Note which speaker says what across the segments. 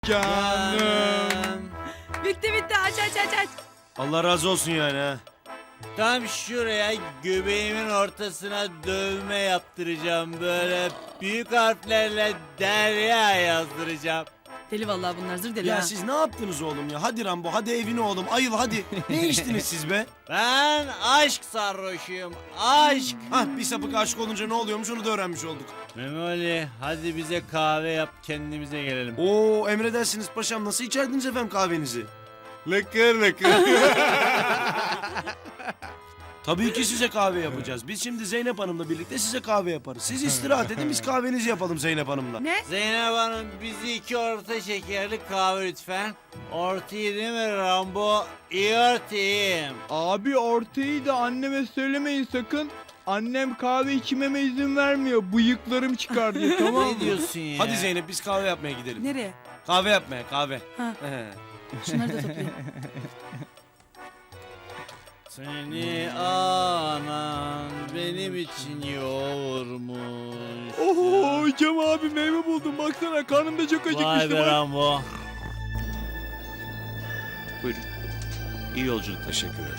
Speaker 1: Canım.
Speaker 2: Bitti aç.
Speaker 1: Allah razı olsun yani ha.
Speaker 3: Tam şuraya göbeğimin ortasına dövme yaptıracağım. Böyle büyük harflerle Derya yazdıracağım.
Speaker 2: Deli vallahi bunlar zır deli
Speaker 1: Ya
Speaker 2: ha.
Speaker 1: siz ne yaptınız oğlum ya? Hadi Rambo, hadi evine oğlum. Ayıl hadi. Ne içtiniz siz be?
Speaker 3: Ben aşk sarhoşuyum. Aşk.
Speaker 1: Hah, bir sapık aşık olunca ne oluyormuş onu da öğrenmiş olduk.
Speaker 3: Memoli hadi bize kahve yap kendimize gelelim.
Speaker 1: Oo, emredersiniz paşam. Nasıl içerdiniz efendim kahvenizi?
Speaker 3: Lıkır lıkır.
Speaker 1: Tabii ki size kahve yapacağız. Biz şimdi Zeynep Hanım'la birlikte size kahve yaparız. Siz istirahat edin, biz kahvenizi yapalım Zeynep Hanım'la.
Speaker 2: Ne?
Speaker 3: Zeynep Hanım bizi 2 orta şekerli kahve lütfen. Ortayı değil mi Rambo? İyi ortayım.
Speaker 4: Abi ortayı da anneme söylemeyin sakın. Annem kahve içmeme izin vermiyor. Bıyıklarım çıkar diye, tamam mı?
Speaker 3: Ne diyorsun ya?
Speaker 1: Hadi Zeynep biz kahve yapmaya gidelim.
Speaker 2: Nereye?
Speaker 1: Kahve yapmaya, kahve.
Speaker 2: Ha.
Speaker 1: He.
Speaker 2: Şunları da toplayayım.
Speaker 3: Seni anan benim için yoğurmuş.
Speaker 4: Oho Cem abi meyve buldum baksana, karnım da çok
Speaker 3: Vay
Speaker 4: acıkmıştı.
Speaker 3: be
Speaker 4: bak.
Speaker 3: Rambo.
Speaker 1: Buyurun. İyi yolculuk. Teşekkür ederim.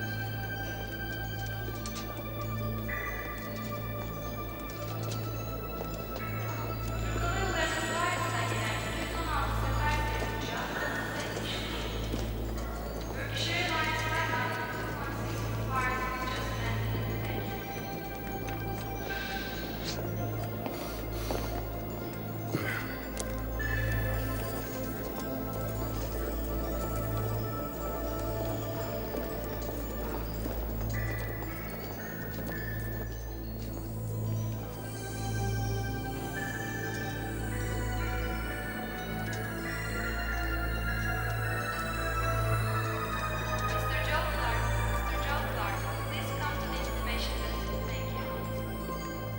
Speaker 5: Mr. Joe Clark, please come to the information desk. Thank you.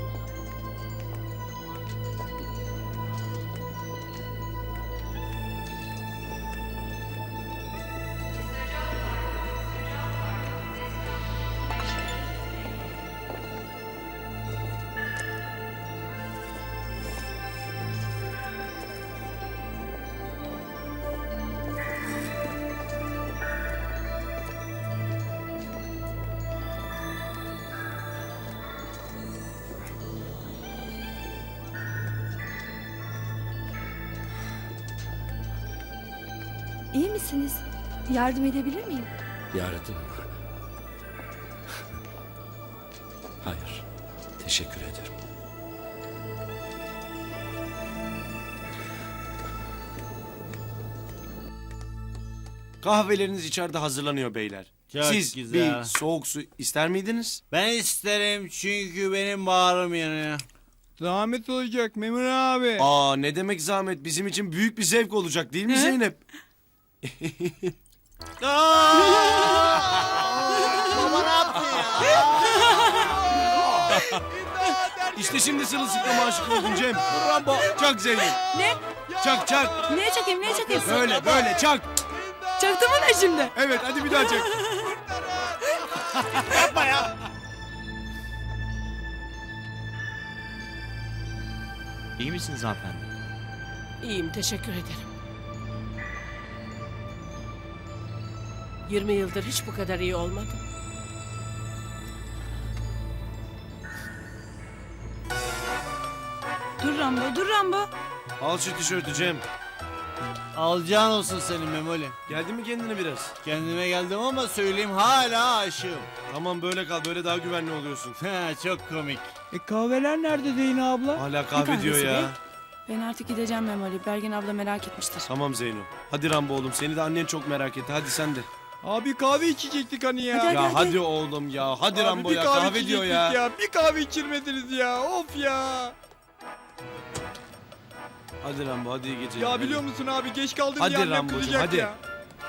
Speaker 5: Mr. Joe Clark, please come to the information desk.
Speaker 6: İyi misiniz? Yardım edebilir miyim?
Speaker 7: Yardım mı? Hayır. Teşekkür ederim.
Speaker 1: Kahveleriniz içeride hazırlanıyor beyler.
Speaker 3: Çok
Speaker 1: Siz
Speaker 3: güzel.
Speaker 1: bir soğuk su ister miydiniz?
Speaker 3: Ben isterim çünkü benim bağrım yanıyor.
Speaker 4: Zahmet olacak Memur abi.
Speaker 1: Aa, ne demek zahmet, bizim için büyük bir zevk olacak değil mi Zeynep?
Speaker 3: Baba ne yaptın ya?
Speaker 1: İşte şimdi sırılsıklama aşık oldun Cem.
Speaker 3: Rambo.
Speaker 1: Çak Zeynep.
Speaker 2: Ne?
Speaker 1: Çak çak.
Speaker 2: Neye çakayım?
Speaker 1: Böyle çak.
Speaker 2: Çaktı mı ne şimdi?
Speaker 1: Evet hadi bir daha çak.
Speaker 7: İyi misiniz hanımefendi?
Speaker 8: İyiyim, teşekkür ederim. 20 yıldır hiç bu kadar iyi olmadım.
Speaker 2: Dur Rambo.
Speaker 1: Al şu tişörtü Cem.
Speaker 3: Alacağın olsun senin Memoli.
Speaker 1: Geldi mi kendine biraz?
Speaker 3: Kendime geldim ama söyleyeyim hala aşığım.
Speaker 1: Tamam böyle kal, böyle daha güvenli oluyorsun.
Speaker 3: Çok komik.
Speaker 4: Kahveler nerede Zeynep abla?
Speaker 1: Hala kahve diyor
Speaker 2: kahvesi
Speaker 1: ya.
Speaker 2: be? Ben artık gideceğim Memoli. Bergin abla merak etmiştir.
Speaker 1: Tamam Zeyno. Hadi Rambo oğlum, seni de annen çok merak etti. Hadi sen de.
Speaker 4: Abi kahve içecektik hani ya.
Speaker 2: Hadi,
Speaker 1: Ya hadi oğlum ya. Hadi
Speaker 4: Abi
Speaker 1: Rambo
Speaker 4: bir
Speaker 1: ya. Kahve diyor
Speaker 4: içecektik
Speaker 1: ya.
Speaker 4: Bir kahve içirmediniz ya. Of ya.
Speaker 1: Hadi Rambo, hadi iyi geceler.
Speaker 4: Ya
Speaker 1: hadi.
Speaker 4: biliyor musun abi, geç kaldım
Speaker 1: Hadi
Speaker 4: diye annem
Speaker 1: Rambocuğum,
Speaker 4: kızacak
Speaker 1: hadi.
Speaker 4: ya.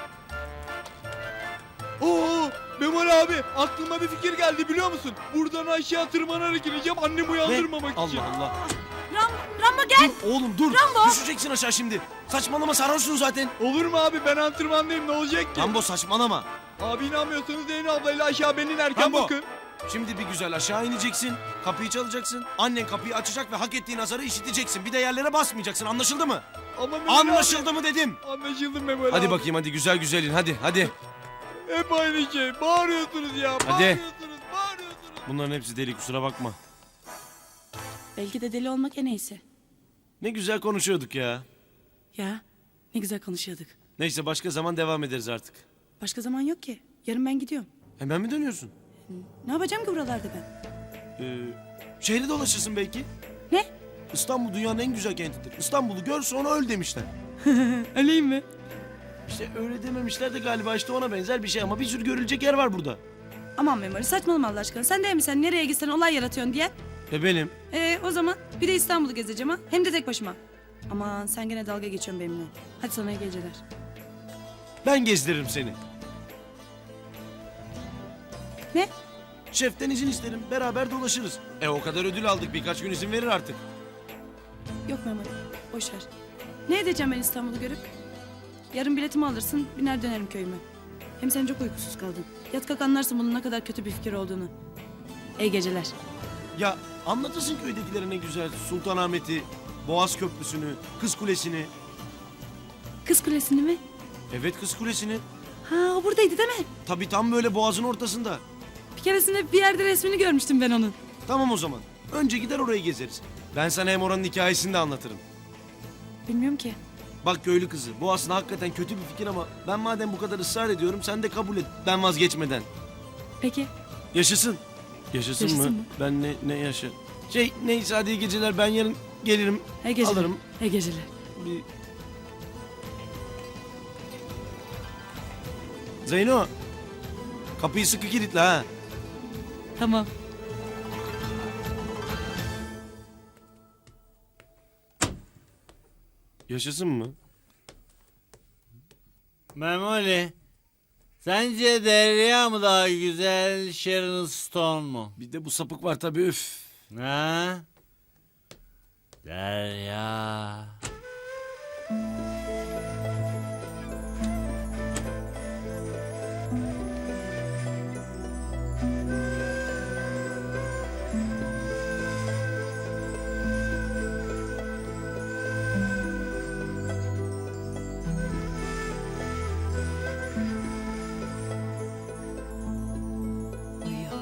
Speaker 4: Oo, Memur abi aklıma bir fikir geldi biliyor musun? Buradan aşağı tırmanarak ineceğim annemi uyandırmamak için.
Speaker 1: Allah Allah.
Speaker 2: Rambo gel.
Speaker 1: Dur oğlum dur.
Speaker 2: Rambo.
Speaker 1: Düşeceksin aşağı şimdi. Saçmalama, sarhoşsun zaten.
Speaker 4: Olur mu abi, ben antrenmandayım, ne olacak ki?
Speaker 1: Rambo saçmalama.
Speaker 4: Abi inanmıyorsanız Zeynep ablayla aşağı beni inerken
Speaker 1: Rambo.
Speaker 4: bakın.
Speaker 1: Şimdi bir güzel aşağı ineceksin. Kapıyı çalacaksın. Annen kapıyı açacak ve hak ettiğin azarı işiteceksin. Bir de yerlere basmayacaksın. Anlaşıldı mı?
Speaker 4: Ama Memoli
Speaker 1: Anlaşıldı mı dedim.
Speaker 4: abi. Anlaşıldı Memoli
Speaker 1: Hadi
Speaker 4: abi.
Speaker 1: bakayım hadi güzel güzel in. Hadi.
Speaker 4: Hep aynı şey. Bağırıyorsunuz ya.
Speaker 1: Hadi.
Speaker 4: Bağırıyorsunuz.
Speaker 1: Bunların hepsi deli, kusura bakma.
Speaker 2: Belki de deli olmak en iyisi.
Speaker 1: Ne güzel konuşuyorduk ya.
Speaker 2: Ya ne güzel konuşuyorduk.
Speaker 1: Neyse başka zaman devam ederiz artık.
Speaker 2: Başka zaman yok ki. Yarın ben gidiyorum.
Speaker 1: Hemen mi dönüyorsun?
Speaker 2: Ne yapacağım ki buralarda ben?
Speaker 1: Şehri dolaşırsın belki.
Speaker 2: Ne?
Speaker 1: İstanbul dünyanın en güzel kentidir. İstanbul'u gör sonra öl demişler.
Speaker 2: Öleyim mi?
Speaker 1: İşte öyle dememişler de galiba işte ona benzer bir şey ama bir sürü görülecek yer var burada.
Speaker 2: Aman Memoli saçmalama Allah aşkına. Sen değil mi sen nereye gitsen olay yaratıyorsun diye?
Speaker 1: Benim.
Speaker 2: O zaman bir de İstanbul'u gezeceğim ha. Hem de tek başıma. Aman sen gene dalga geçiyorsun benimle. Hadi sana iyi geceler.
Speaker 1: Ben gezdiririm seni.
Speaker 2: Ne?
Speaker 1: Şeften izin isterim. Beraber dolaşırız. O kadar ödül aldık. Birkaç gün izin verir artık.
Speaker 2: Yok Memoli. Boş ver. Ne edeceğim ben İstanbul'u görüp? Yarın biletimi alırsın, biner dönerim köyüme. Hem sen çok uykusuz kaldın. Yat kalk anlarsın bunun ne kadar kötü bir fikir olduğunu. İyi geceler.
Speaker 1: Ya anlatırsın köydekilere ne güzel. Sultanahmet'i, Boğaz Köprüsü'nü, Kız Kulesi'ni.
Speaker 2: Kız Kulesi'ni mi?
Speaker 1: Evet Kız Kulesi'ni.
Speaker 2: Ha o buradaydı değil mi?
Speaker 1: Tabii tam böyle boğazın ortasında.
Speaker 2: Bir keresinde bir yerde resmini görmüştüm ben onun.
Speaker 1: Tamam o zaman. Önce gider orayı gezeriz. Ben sana hem oranın hikayesini de anlatırım.
Speaker 2: Bilmiyorum ki.
Speaker 1: Bak köylü kızı, bu aslında hakikaten kötü bir fikir ama ben madem bu kadar ısrar ediyorum sen de kabul et. Ben vazgeçmeden.
Speaker 2: Peki.
Speaker 1: Yaşasın. Yaşasın
Speaker 2: Yaşasın
Speaker 1: mı?
Speaker 2: mı?
Speaker 1: Ben ne yaşa? Neyse hadi iyi geceler. Ben yarın gelirim.
Speaker 2: İyi geceler.
Speaker 1: Alırım.
Speaker 2: İyi geceler.
Speaker 1: Bir... Zeyno. Kapıyı sıkı kilitle ha.
Speaker 2: Tamam.
Speaker 1: Yaşasın mı?
Speaker 3: Memoli, sence Derya mı daha güzel, Sharon Stone mu?
Speaker 1: Bir de bu sapık var tabii üf.
Speaker 3: Ha? Derya.
Speaker 2: Uyuyor.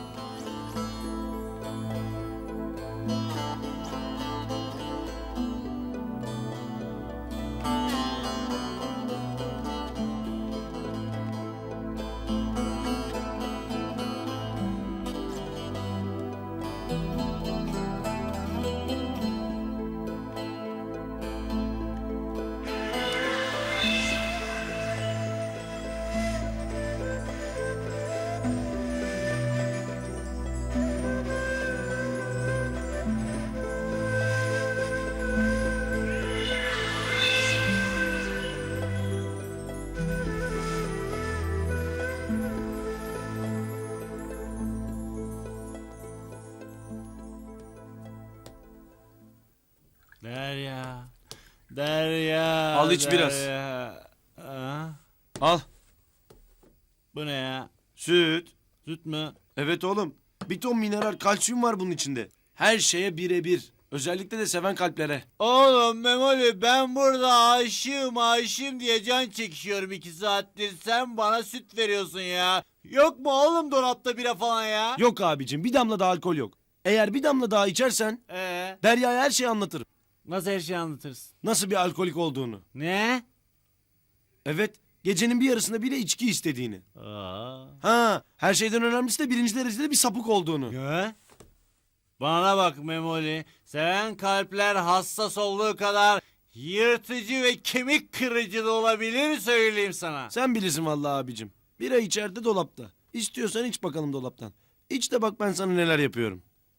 Speaker 3: Derya. Derya.
Speaker 1: Al iç biraz.
Speaker 3: Derya. Ha?
Speaker 1: Al.
Speaker 3: Bu ne ya?
Speaker 1: Süt.
Speaker 3: Süt mü?
Speaker 1: Evet oğlum. Bir ton mineral kalsiyum var bunun içinde. Her şeye birebir. Özellikle de seven kalplere.
Speaker 3: Oğlum Memoli, ben burada aşığım diye can çekişiyorum 2 saattir. Sen bana süt veriyorsun ya. Yok mu oğlum dolapta bira falan ya?
Speaker 1: Yok abicim bir damla da alkol yok. Eğer bir damla daha içersen Derya'ya her şeyi anlatırım.
Speaker 3: Nasıl her şeyi anlatırsın?
Speaker 1: Nasıl bir alkolik olduğunu.
Speaker 3: Ne?
Speaker 1: Evet gecenin bir yarısında bile içki istediğini.
Speaker 3: Aa.
Speaker 1: Ha her şeyden önemlisi de birinci derecede bir sapık olduğunu.
Speaker 3: Ne? Bana bak Memoli, seven kalpler hassas olduğu kadar yırtıcı ve kemik kırıcı da olabilir söyleyeyim sana.
Speaker 1: Sen bilirsin vallahi abicim. Bira içeride dolapta. İstiyorsan iç bakalım dolaptan. İç de bak ben sana neler yapıyorum.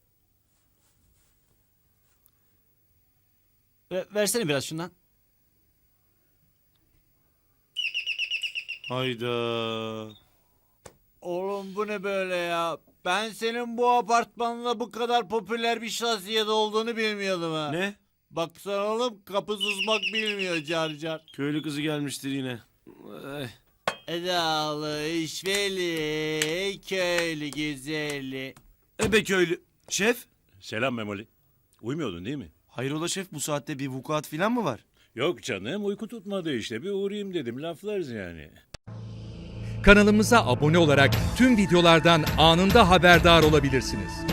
Speaker 3: Versene biraz şundan.
Speaker 1: Hayda.
Speaker 3: Oğlum bu ne böyle ya? Ben senin bu apartmanda bu kadar popüler bir şahsiyet olduğunu bilmiyordum ha.
Speaker 1: Ne?
Speaker 3: Baksana oğlum, kapı susmak bilmiyor car car.
Speaker 1: Köylü kızı gelmiştir yine.
Speaker 3: Edalı, işveli, köylü güzeli.
Speaker 1: Ebe köylü. Şef?
Speaker 9: Selam Memoli. Uyumuyordun değil mi?
Speaker 1: Hayrola şef, bu saatte bir vukuat falan mı var?
Speaker 9: Yok canım, uyku tutmadı işte. Bir uğrayayım dedim, laflarız yani.
Speaker 10: Kanalımıza abone olarak tüm videolardan anında haberdar olabilirsiniz.